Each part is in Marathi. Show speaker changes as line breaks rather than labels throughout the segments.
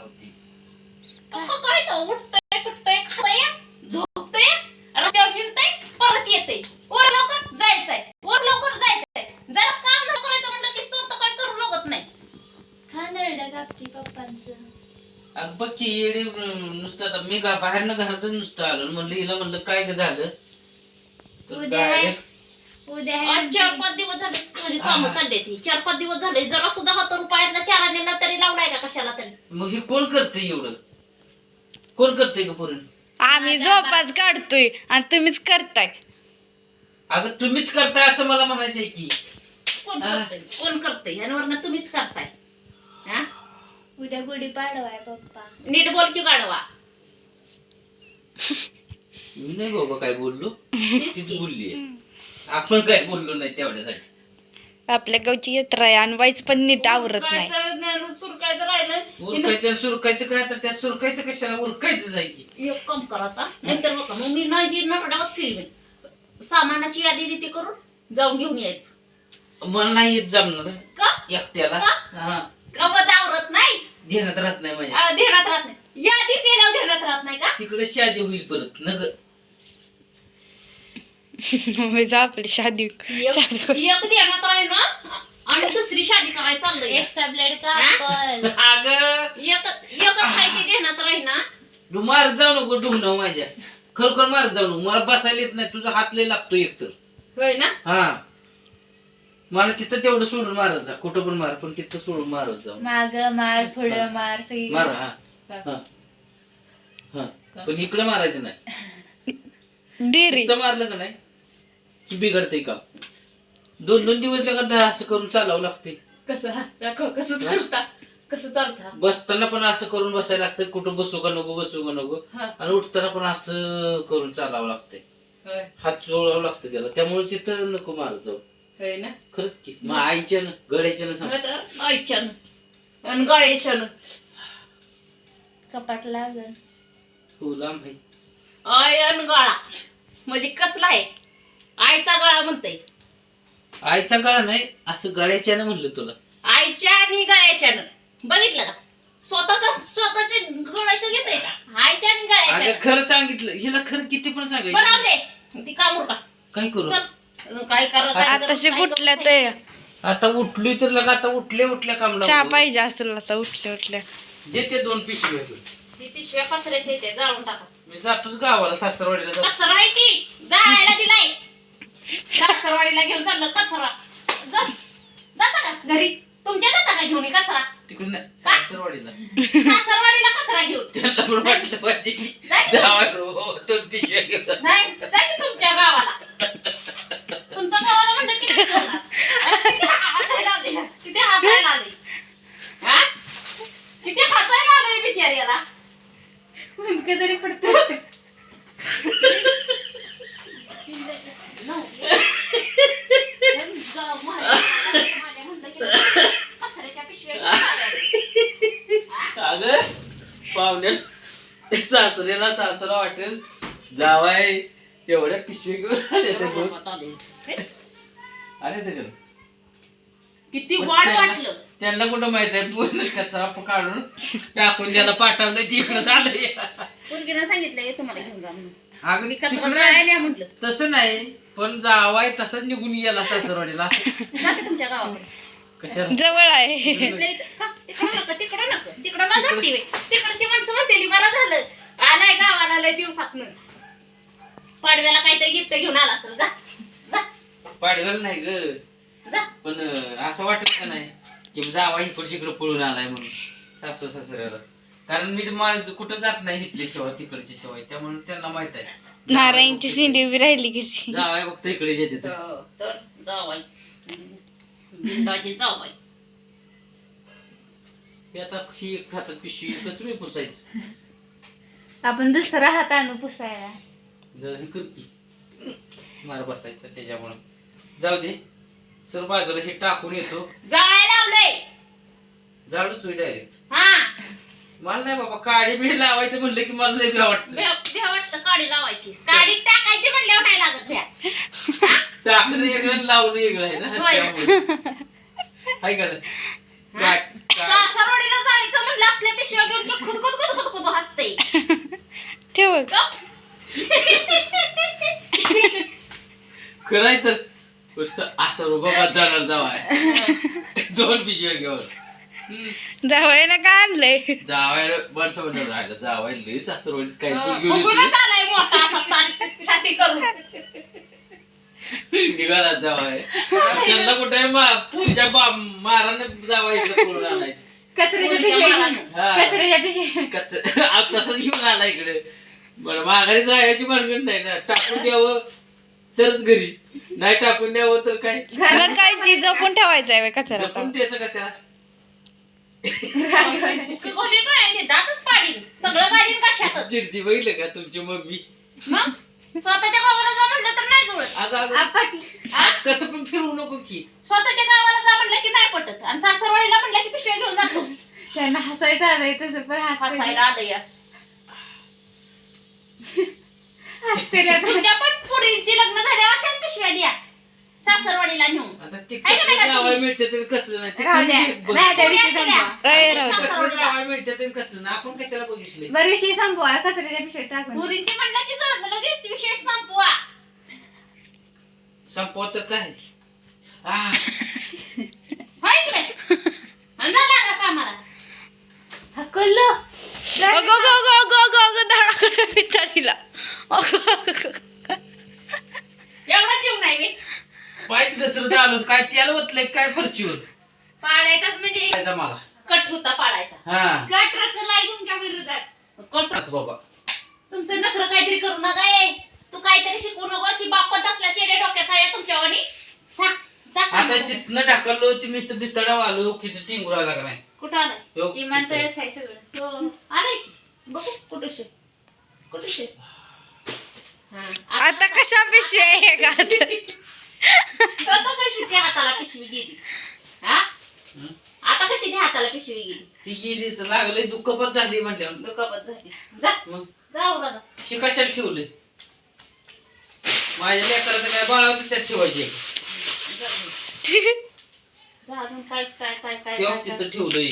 लावते.
काय तर उठतंय सुटतंय खातंय झोपतंय रस्त्यावर हिंडतंय परत येतंय वर लवकर जायचंय जरा काम न करायचं म्हणलं की स्वतः काय करू लागत नाही.
खानरडं कापकी पप्पांचं.
अगं बघ की येडे नुसतं आता मी बाहेरनं घरातच नुसतं आलो म्हणलं हिला म्हणलं काय ग झालं तर
उद्या
direct
उद्या
आज 4-5 दिवस झाले माझी कामं चालली ती 4-5 दिवस झाले जरा सुद्धा हात रुपयातला चार आणलेला तरी लावलाय का कशाला तरी.
मग हे कोण करतंय एवढं कोण करतंय का पोरण
आम्ही झोपाच काढतोय आणि तुम्हीच करताय.
अगं तुम्हीच करताय असं मला म्हणायचंय की
कोण करतंय आणि वरनं तुम्हीच करताय. हा
उद्या गुढी पाडवाय पप्पा.
नीट बोल की गाडवा.
मी नाही बाबा काय बोललो
तेच
तीच
की.
बोलली आपण काय बोललो नाही तेवढ्यासाठी.
आपल्या गावची यात्रा आहे आणि वाईच पण नीट आवरत नाही.
उरकायचं ज्ञान सुरकायचं राहिलं
उरकायचं सुरकायचं काय आता त्या सुरकायचं कशाला उरकायचं जायची.
एक काम करा आता नाहीतर बघा मग मी नाही नरडावत फिरवेन सामानाची यादी रीती करून जाऊन घेऊन यायचं.
मला नाही येत जमणार
का
एकट्याला
का?
हा
का मग आवरत नाही
ध्यानात राहत नाही माझ्या
ध्यानात राहत नाही यादी केल्यावर ध्यानात राहत नाही का.
तिकडे शादी होईल परत नग
म्हणजे आपली शादी
एक ध्यानात आहे ना आणि दुसरी शादी करायला चाललंय
एक्स्ट्रा ब्लेड कापल.
अगं
एकच आहे ते ध्यानात राहील ना.
तू मारत जाऊ नको ढुंगण माझ्या खरोखर मारत जाऊ नको मला बसायला येत नाही तुझा हात लय लागतो एकतर.
होय ना.
हा मला तिथं तेवढं सोडून मारत जा कुठं पण मार पण तिथं सोडून मारत जाऊ
माग मार पुढं मार सगळी.
मार हा हा हा पण इकडे मारायचं नाही.
डेरी
इथं मारलं का नाही की बिघडते का 2-2 दिवस लगातार असं करून चालावं लागते.
कसं दाखव कसं चालता
बसताना पण असं करून बसायला लागतं कुठं बसू का नको
हा.
आणि उठताना पण असं करून चालावं लागतंय.
होय
हात चोळावं लागतं त्याला त्यामुळे तिथं नको मारत जाऊ.
होय ना.
खरंच की मग आईच्यानं गड्याच्यानं सांग
तर आईच्यानं आणि गाळ्याच्यानं
कपाट लागल.
हो लांब आहे.
आय आणि गाळा म्हणजे कसला आहे आईचा गळा म्हणते.
आईचा गळा नाही असं गळ्याच्यानं म्हणलं तुला.
आईच्या आणि गळ्याच्यानं बघितलं का स्वतःच्या गळ्याचं घेतय का आईच्या आणि
अगं
गळ्याच्या.
खरं सांगितलं हिला खरं किती पण
बरं
सांगायचं
दे ती कामूर का
काय करू
चल काय करा
आताशी कुठल्या ते
आता उठलोय तर लगा आता उठल्या काम
चहा
लावलं.
पाहिजे असेल आता उठल्या
देते 2 पिशव्या
ती पिशव्या कचऱ्याच्या इथे जाळून टाका.
मी जातोच गावाला सासरवाडीला जातो.
कचरा आहे ती जाळायला दिलाय सासरवाडीला घेऊन चाललं कचरा जाता का घरी तुमच्या जाता का घेऊन हे कचरा
तिकडे नाही सासरवाडीला
सासरवाडीला कचरा घेऊन
त्यांना पण वाटलं पाहिजे की
जाय की
जावई हो, 2 पिशव्या घेऊन
नाही जा की तुमच्या गावाला तुमच्या गावाला म्हणलं किती हसायला आले किती हसायला आले हा किती हसायला आले बिचाऱ्याला
मुंडकं तरी पडतं.
माझ्या म्हणलं की कचऱ्याच्या पिशव्या घेऊन आल्या.
अगं पाहुण्या सासऱ्याला सासरा वाटेल जावाय एवढ्या पिशवी घेऊन आले ते दोन. आले ते घरी.
किती वाढ वाटलं
त्यांना कुठं माहित आहे पूर्ण कचरा काढून टाकून त्याला पाठवलं तिकडे झालंय.
पोरगीनं सांगितलंय तुम्हाला घेऊन जा म्हणून
अगं
मी कचरा
तिकडे
जाळायला म्हटलं
तसं नाही पण जावाय तसंच निघून गेला सासरवाडीला.
जाते तुमच्या गावाकडे
कशाला
जवळ आहे.
तिकडं नको तिकडं ना जाती बाई. तिकडची माणसं म्हणतेली बरं झालं आलाय गावाला लय दिवसातनं पाडव्याला काहीतरी गिफ्ट घेऊन आला असेल जा जा
पाडगल नाही ग
जा
पण असं वाटत का नाही की जावा इकडे इकडे पळून आलाय म्हणून सासू सासऱ्याला. कारण मी कुठं जात नाही इथली शिवाय तिकडची शिवाय त्यामुळे त्यांना माहित आहे
नारायणची शिंदी उभी राहिली कशी.
जावाय फक्त इकडे येते
तर जावाई बिंदाची जावाई
हे आता ही एक हातात पिशवी कसं मी पुसायचं.
आपण दुसरा हात आणू पुसायला.
जर हे करती मार बसायचं त्याच्यामुळे जाऊ दे सर बाजूला हे टाकून येतो
जाळायला लावलंय
झाडूच होई डायरेक्ट.
हा
मला नाही बाबा काडी बीड लावायचं म्हणलं की मला लय भ्या वाटतं.
भ्या वाटतं काडी लावायची काडी टाकायची म्हणल्यावर नाही लागत भ्या
टाकणं वेगळं लावणं वेगळं आहे ना
होय.
त्यामुळे. हाय का नाही?
सासरवाडीला जायचं म्हणलं असल्या पिशव्या घेऊन की
खरंय तर असं रोबाबात जाणार जावाय 2 पिशव्या घेऊन
जावय ना काय आणलंय
जावाय माणसं म्हणून राहिलं जावाय लई सासरवाडीच काही पण घेऊन
फुगूनच आलाय मोठा असा ताट छाती करून
निघाला जावाय त्यांना कुठे पुढच्या माराने जावाय इकडे पळून आलाय
कचऱ्याच्या
पोरीच्या
पिशव्या
मारानं.
कचऱ्याच्या पिशव्या
तसंच घेऊन आला इकडे बरं माघारी जायची भानगड नाही ना टाकून द्यावं तरच घरी नाही टाकून द्यावं तर काय
मग काय ती जपून ठेवायचं आहे कचरा
जपून द्यायचं कशाला
कोणी पण आहे ते दातच पाडीन सगळं घालीन कशातच
चिडती बघितलं का तुमची मम्मी
मग स्वतःच्या गावाला जा म्हणलं तर नाही जुळत
अगं अगं
आपटली
कसं पण फिरवू नको की
स्वतःच्या गावाला जा म्हणलं की नाही पटत आणि सासरवाडीला म्हणलं की पिशव्या घेऊन जातो
त्यांना हसायचं आलंय तसं पण
हसायला आलं या
हसते
तुमच्या पण पुरींची लग्न झाल्या अशाच पिशव्या द्या सासरवाडीला नेऊन
आता ते
आहे का नाही
कसलं
का
जावाय
तुम्ही?
मिळते तरी कसलं नाही ते
राहू द्या
कोणी बघ-
नाही त्या विषयी
पुऱ्या
संपवा.
केल्या.
राहू द्या.
कसलं जावाय मिळते तरी कसलं नाही आपण कशाला बघितले
बरं विषय संपवा कचऱ्याच्या पिशव्यात टाकून
पुरींची म्हणलं की जळत लगेच विशेष संपवा
संपवा तर काय
होय की नाही? आणि जा लागा कामाला
हकललो
अगो गो गो गो गो गो धडाकडे पिताडीला
एवढा जीव नाही मी
पायच घसरत आलो काय त्याला वतलंय काय फरचीवर
पाडायचाच म्हणजे
काय मला
कट होता पाडायचा
हा
कट रचलाय तुमच्या विरोधात
कट
आता बाबा
तुमचं नखरं काहीतरी करू नका ए तू काहीतरी शिकू नको अशी बापत असल्या चेडे डोक्याचा आहे तुमच्यावानी जा जा
आता
कामाला.
जिथनं ढकललो ती मी तर बितडा आलो किती टिंगुरा लागला नाही
कुठं आलाय
हो,
इमानतळच आहे सगळं
हो आलाय की बघू कुठं शे कुठं शे हा
आता कशा पिशव्या आहे का
आता कशी त्या हाताला पिशवी गेली हा
हं?
आता कशी त्या हाताला पिशवी गेली
ती गेली तर लागलंय दुःखपत झाली म्हटल्यावर
दुखापत झाली जा
मग
जा उरा जा
हे कशाला ठेवले माझ्या लेकराचं काय बाळावतं त्यात ठेवायचे
जा अजून काय काय काय काय
तेव्हा
काय-
तिथं ठेवलंय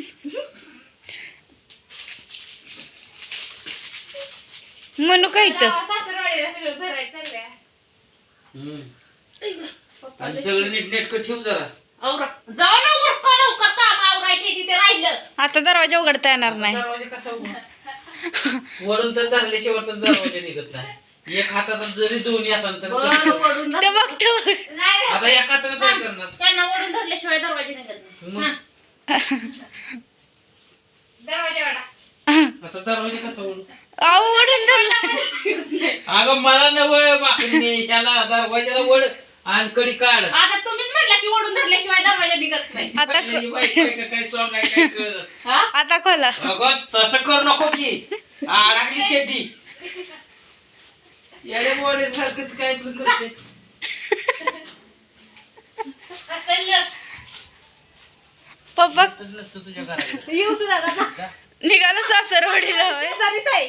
म्हणू काय तर
सासरवाडीला सगळं भरायचं चाललंय
हम्म. आणि सगळं नीट नेटकं ठेव जरा
आवरा जाऊ ना उरका लवकर काम आवरायचे तिथे राहिलं
आता दरवाजा उघडता येणार नाही
दरवाजा कसा उघडा? वरून तर धरल्याशिवाय तर दरवाजा निघत नाही एक हातात जरी दोन्ही हातानं तर
वर
कसं?
ओढून
ते
धर-
बघ ते बघ
नाही
आता एका हातानं काय करणार
त्यांना ओढून धरल्याशिवाय दरवाजे निघत नाही.
मग?
हा.
दरवाजा वाडा
आता दरवाजा कसा उघडू
आऊ ओढून धरला
अगं मला नवं माकडे ह्याला दरवाजाला वड आणि कडी काढ
आता तुम्हीच म्हणला की ओढून धरल्याशिवाय दरवाजा निघत नाही
आता
पहिल्याची बायको आहे का काय सॉंग आहे काय कळलं
हा?
आता खोला
अगं तसं करू नको की अडकली चेटी येडे मोडे सारखंच काय पण करते
हकललं.
पप्पा
तसं नसतं तुझ्या घरात
येऊ तुला जा.
निघाला सासरवाडीला होय.
शेजारीच आहे.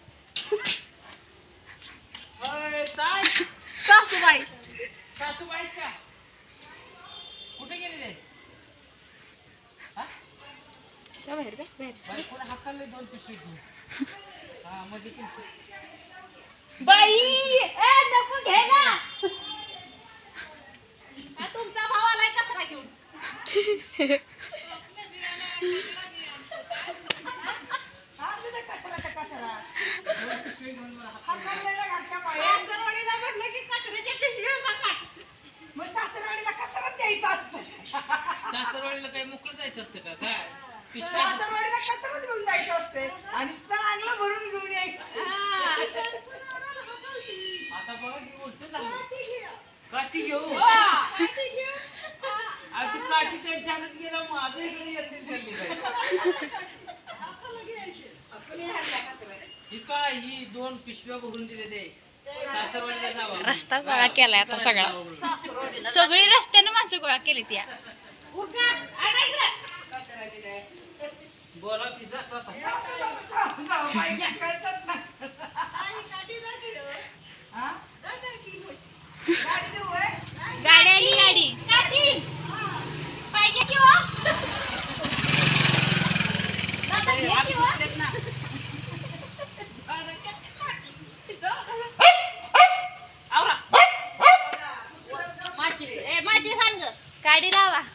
सासूबाई
सासूबाई का कुठे गेले ते कोणी हाकलले 2 पिशवी घेऊन हा म्हणजे
बाई ए नको घे ना हा तुमचा भाव आलाय कचरा घेऊन सासरवाडीला म्हटलं की कचऱ्याच्या पिशव्या नका.
सासरवाडीला काही मोकळं जायचं असतं का काय पिशव्या
सासरवाडीला कचराच घेऊन जायचं असते आणि चांगलं भरून घेऊन यायचं.
आता बघा की उलटं झालं काठी घेऊ आणि ती काठी त्या ह्याच्यात गेलं माझं इकडे येतील त्यांनी ही काय ही 2 पिशव्या भरून दिले ते सासरवाडीला जावा
रस्ता गोळा केलाय आता सगळा सगळी रस्त्यानं माणसं गोळा केली त्या
उठा, आणा इकडं.
बोला तिचा स्वतः
जाऊ बाई, कळचंच नाही. आई, गाडी जाते हो. हा? गाडी देऊ होय?
गाडी आली गाडी
काठी. पाहिजे की हो? दादा, घे की हो? आवरा. माचीस ए माचीस आण ग
गाडी लावा